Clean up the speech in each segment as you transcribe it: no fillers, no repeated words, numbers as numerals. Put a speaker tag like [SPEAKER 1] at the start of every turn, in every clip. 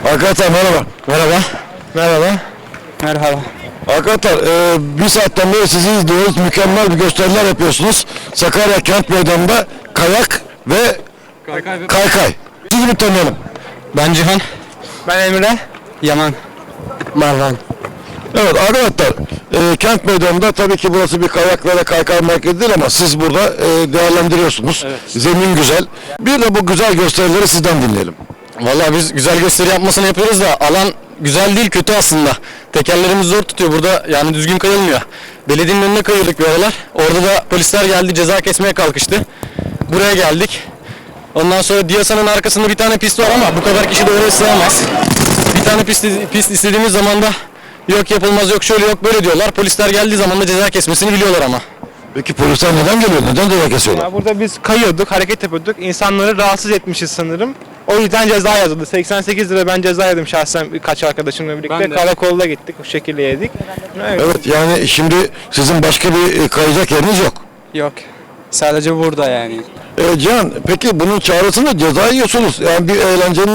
[SPEAKER 1] Arkadaşlar merhaba.
[SPEAKER 2] Merhaba.
[SPEAKER 3] Merhaba.
[SPEAKER 2] Merhaba.
[SPEAKER 1] Arkadaşlar bir saatten beri sizi izliyoruz. Mükemmel bir gösteriler yapıyorsunuz. Sakarya Kent Meydanı'nda kayak ve kaykay. Sizi bir tanıyalım.
[SPEAKER 2] Ben Cihan.
[SPEAKER 3] Ben Emre.
[SPEAKER 2] Yaman.
[SPEAKER 3] Marvan.
[SPEAKER 1] Evet arkadaşlar Kent Meydanı'nda tabii ki burası bir kayak ve kaykay merkezi değil ama siz burada değerlendiriyorsunuz.
[SPEAKER 2] Evet.
[SPEAKER 1] Zemin güzel. Bir de bu güzel gösterileri sizden dinleyelim.
[SPEAKER 2] Vallahi biz güzel gösteri yapmasını yapıyoruz da alan güzel değil, kötü aslında. Tekerlerimiz zor tutuyor burada, yani düzgün kayılmıyor. Belediyenin önüne kayıyorduk bir aralar. Orada da polisler geldi, ceza kesmeye kalkıştı. Buraya geldik. Ondan sonra Diyasa'nın arkasında bir tane pist var ama bu kadar kişi de oraya sığamaz. Bir tane pist istediğimiz zaman da yok yapılmaz, yok şöyle yok böyle diyorlar. Polisler geldiği zaman da ceza kesmesini biliyorlar ama.
[SPEAKER 1] Peki polisler neden geliyor? Neden ceza kesiyorlar?
[SPEAKER 3] Ya burada biz kayıyorduk, hareket yapıyorduk. İnsanları rahatsız etmişiz sanırım. O yüzden ceza yazıldı. 88 lira ben ceza yedim şahsen birkaç arkadaşımla birlikte. Karakolda gittik, bu şekilde yedik. Evet.
[SPEAKER 1] Evet yani şimdi sizin başka bir kayacak yeriniz yok.
[SPEAKER 2] Yok. Sadece burada yani.
[SPEAKER 1] Cihan, peki bunun çaresi ne? Ceza yiyorsunuz. Yani bir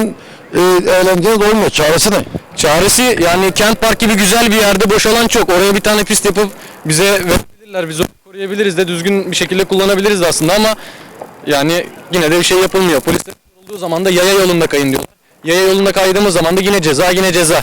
[SPEAKER 1] eğlenceniz olmuyor. Çaresi ne?
[SPEAKER 2] Çaresi yani Kent Park gibi güzel bir yerde boş alan çok. Oraya bir tane pist yapıp bize verebilirler. Biz onu koruyabiliriz de düzgün bir şekilde kullanabiliriz de aslında ama yani yine de bir şey yapılmıyor. Polisler olduğu zaman da yaya yolunda kayın diyorlar. Yaya yolunda kaydığımız zaman da yine ceza.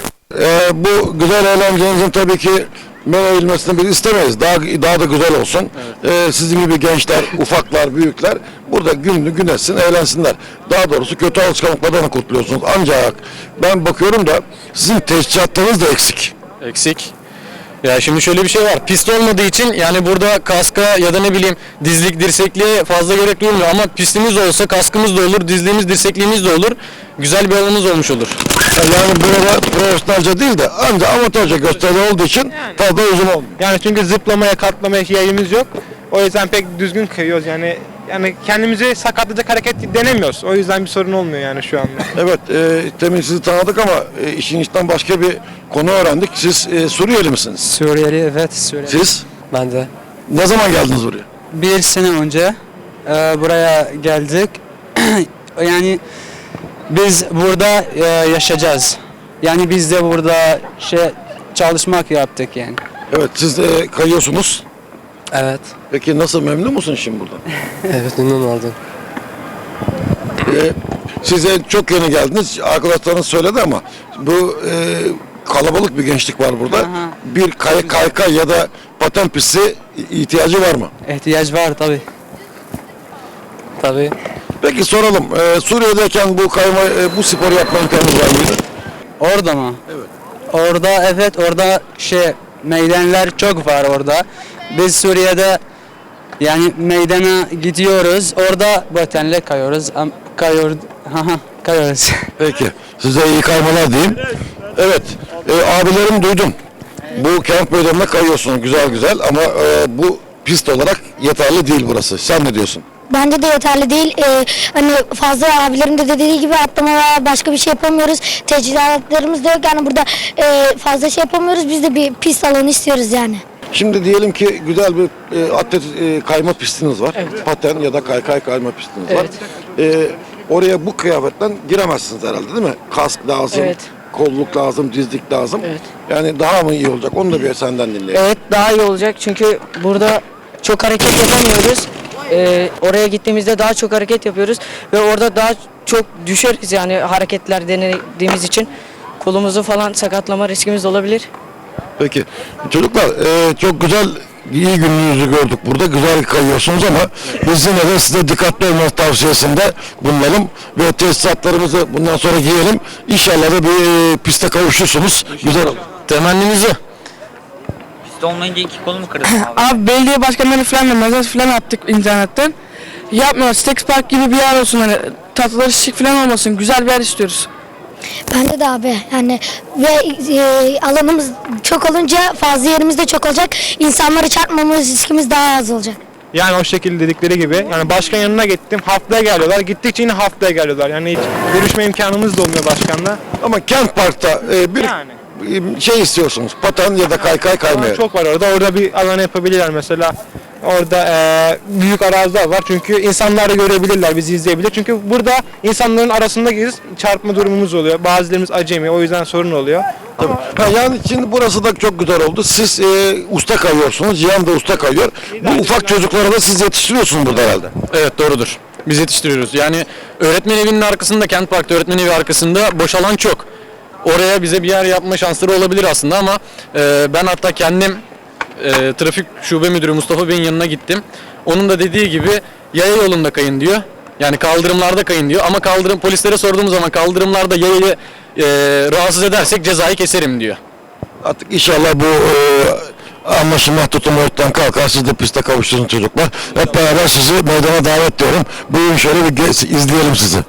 [SPEAKER 1] Bu güzel eğlencenizin tabii ki men edilmesini biz istemeyiz. Daha da güzel olsun. Evet. Sizin gibi gençler, ufaklar, büyükler burada gününü gün etsin, eğlensinler. Daha doğrusu kötü alışkanlıklardan kurtuluyorsunuz. Ancak ben bakıyorum da sizin teşhisatlarınız da eksik.
[SPEAKER 2] Eksik. Ya şimdi şöyle bir şey var. Pist olmadığı için yani burada kaska ya da ne bileyim dizlik, dirsekliğe fazla gerek duyulmuyor ama pistimiz olsa kaskımız da olur, dizliğimiz, dirsekliğimiz de olur. Güzel bir alanımız olmuş olur.
[SPEAKER 1] Yani burada profesyonelce değil de ancak amatörce gösteri olduğu için fazla uzun olmuyor.
[SPEAKER 3] Yani çünkü zıplamaya, katlamaya yayımız yok. O yüzden pek düzgün kayıyoruz yani. Yani kendimizi sakatlayacak hareket denemiyoruz. O yüzden bir sorun olmuyor yani şu anda.
[SPEAKER 1] Evet, demin sizi tanıdık ama işin içten başka bir konu öğrendik. Siz Suriyeli misiniz?
[SPEAKER 4] Suriyeli, evet Suriyeli.
[SPEAKER 1] Siz?
[SPEAKER 4] Ben de.
[SPEAKER 1] Ne zaman geldiniz buraya?
[SPEAKER 4] Bir sene önce buraya geldik. Yani biz burada yaşayacağız. Yani biz de burada çalışmak yaptık yani.
[SPEAKER 1] Evet, siz de kayıyorsunuz.
[SPEAKER 4] Evet.
[SPEAKER 1] Peki nasıl, memnun musun şimdi buradan?
[SPEAKER 4] Evet, memnun oldum.
[SPEAKER 1] Size çok yeni geldiniz. Arkadaşlarınız söyledi ama bu kalabalık bir gençlik var burada.
[SPEAKER 4] Aha.
[SPEAKER 1] Bir kaykay ya da paten pisti ihtiyacı var mı?
[SPEAKER 4] İhtiyaç var tabii. Tabii.
[SPEAKER 1] Peki soralım. Suriye'deyken bu sporu yapma imkanınız var mıydı?
[SPEAKER 4] Orada mı?
[SPEAKER 1] Evet.
[SPEAKER 4] Orada evet, orada meydanlar çok var orada. Biz Suriye'de yani meydana gidiyoruz. Orada patenle kayıyoruz. Kayıyoruz.
[SPEAKER 1] Peki. Size iyi kaymalar diyeyim. Evet. Abilerim duydum. Bu kent meydanına kayıyorsunuz güzel ama bu pist olarak yeterli değil burası. Sen ne diyorsun?
[SPEAKER 5] Bence de yeterli değil. Hani fazla abilerim de dediği gibi atlama veya başka bir şey yapamıyoruz. Teçhizatlarımız da yok yani burada fazla şey yapamıyoruz. Biz de bir pist alanı istiyoruz yani.
[SPEAKER 1] Şimdi diyelim ki güzel bir atlet kayma pistiniz var. Evet. Paten ya da kaykay kayma pistiniz var. Oraya bu kıyafetten giremezsiniz herhalde değil mi? Kask lazım,
[SPEAKER 6] Evet.
[SPEAKER 1] kolluk lazım, dizlik lazım.
[SPEAKER 6] Evet.
[SPEAKER 1] Yani daha mı iyi olacak? Onu da bir senden dinleyelim.
[SPEAKER 6] Evet, daha iyi olacak çünkü burada çok hareket yapamıyoruz. Oraya gittiğimizde daha çok hareket yapıyoruz ve orada daha çok düşeriz yani hareketler denediğimiz için kolumuzu falan sakatlama riskimiz olabilir.
[SPEAKER 1] Peki. Çocuklar çok güzel, iyi gününüzü gördük burada. Güzel kayıyorsunuz ama biz yine de size dikkatli olmanız tavsiyesinde bulunalım ve tesisatlarımızı bundan sonra giyelim. İnşallah da bir piste kavuşursunuz. Güzel olur.
[SPEAKER 2] Temennimiz o.
[SPEAKER 7] Pist olmayınca iki kolumu kırdım abi.
[SPEAKER 8] Abi belediye başkanları falan da mesaj falan attık internetten. Yapmıyor. Stex Park gibi bir yer olsun hani tatlıları şık falan olmasın. Güzel bir yer istiyoruz.
[SPEAKER 5] Bence de abi yani ve alanımız çok olunca fazla yerimiz de çok olacak. İnsanları çarpmamız riskimiz daha az olacak.
[SPEAKER 3] Yani o şekilde dedikleri gibi. Yani başkan yanına gittim. Haftaya geliyorlar. Gittikçe yine haftaya geliyorlar. Yani hiç görüşme imkanımız da olmuyor başkanla.
[SPEAKER 1] Ama Kent Park'ta bir
[SPEAKER 3] Yani.
[SPEAKER 1] şey istiyorsunuz. Paten ya da kaykay kaymaya.
[SPEAKER 3] Çok var orada. Orada bir alan yapabilirler mesela. Orada büyük araziler var çünkü insanlar da görebilirler, bizi izleyebilir. Çünkü burada insanların arasında geziz çarpma durumumuz oluyor. Bazılarımız acemi, o yüzden sorun oluyor.
[SPEAKER 1] Tabii. Ha, yani şimdi burası da çok güzel oldu. Siz usta kayıyorsunuz, Cihan da usta kayıyor. Bu ufak çocukları da siz yetiştiriyorsunuz burada herhalde.
[SPEAKER 2] Evet, doğrudur. Biz yetiştiriyoruz. Yani öğretmen evinin arkasında, Kent Park'ta öğretmen evi arkasında boş alan çok. Oraya bize bir yer yapma şansları olabilir aslında ama ben hatta kendim trafik şube müdürü Mustafa Bey'in yanına gittim. Onun da dediği gibi yaya yolunda kayın diyor. Yani kaldırımlarda kayın diyor ama polislere sorduğumuz zaman kaldırımlarda yayayı rahatsız edersek cezayı keserim diyor.
[SPEAKER 1] Artık inşallah bu anlaşılma tutumu ortadan kalkar. Siz de piste kavuşturun çocuklar. Hep beraber sizi meydana davet ediyorum. Buyurun şöyle bir izleyelim sizi.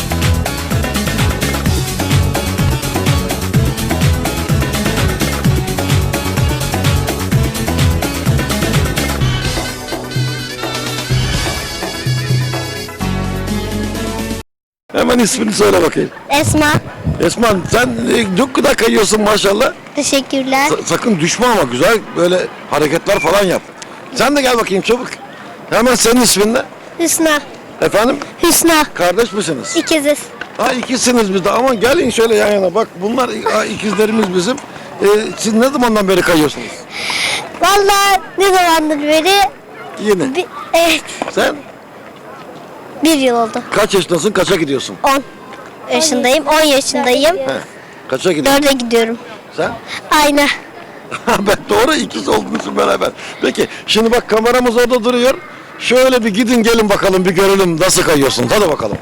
[SPEAKER 1] Hemen ismini söyle bakayım.
[SPEAKER 5] Esma.
[SPEAKER 1] Esma sen çok güzel kayıyorsun maşallah.
[SPEAKER 5] Teşekkürler.
[SPEAKER 1] Sakın düşme ama güzel böyle hareketler falan yap. Sen de gel bakayım çabuk. Hemen senin ismin ne?
[SPEAKER 5] Hüsna.
[SPEAKER 1] Efendim?
[SPEAKER 5] Hüsna.
[SPEAKER 1] Kardeş misiniz?
[SPEAKER 5] İkiziz.
[SPEAKER 1] Ha ikisiniz biz de ama gelin şöyle yan yana bak bunlar ikizlerimiz bizim. Siz ne zamandan beri kayıyorsunuz?
[SPEAKER 5] Vallahi ne zamandır beri
[SPEAKER 1] Yeni.
[SPEAKER 5] evet,
[SPEAKER 1] Sen
[SPEAKER 5] 1 yıl oldu.
[SPEAKER 1] kaç yaşındasın kaça gidiyorsun?
[SPEAKER 5] 10 yaşındayım. 10 yaşındayım.
[SPEAKER 1] He. Kaça gidiyorsun?
[SPEAKER 5] 4'e gidiyorum.
[SPEAKER 1] Sen?
[SPEAKER 5] Aynı.
[SPEAKER 1] Ben doğru ikiz olduğunuz beraber. Peki şimdi bak kameramız orada duruyor. Şöyle bir gidin gelin bakalım bir görelim nasıl kayıyorsunuz. Hadi bakalım.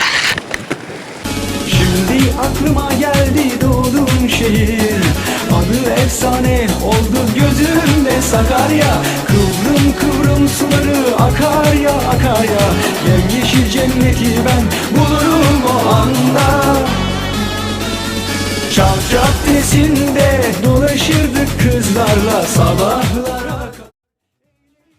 [SPEAKER 9] Şimdi aklıma geldi doğduğum şehir. Adı efsane oldu gözümde Sakarya. Kıvrım kıvrım suları akar ya akar ya. Yemyeşil cenneti ben bulurum o anda. Çark caddesinde dolaşırdık kızlarla sabahları.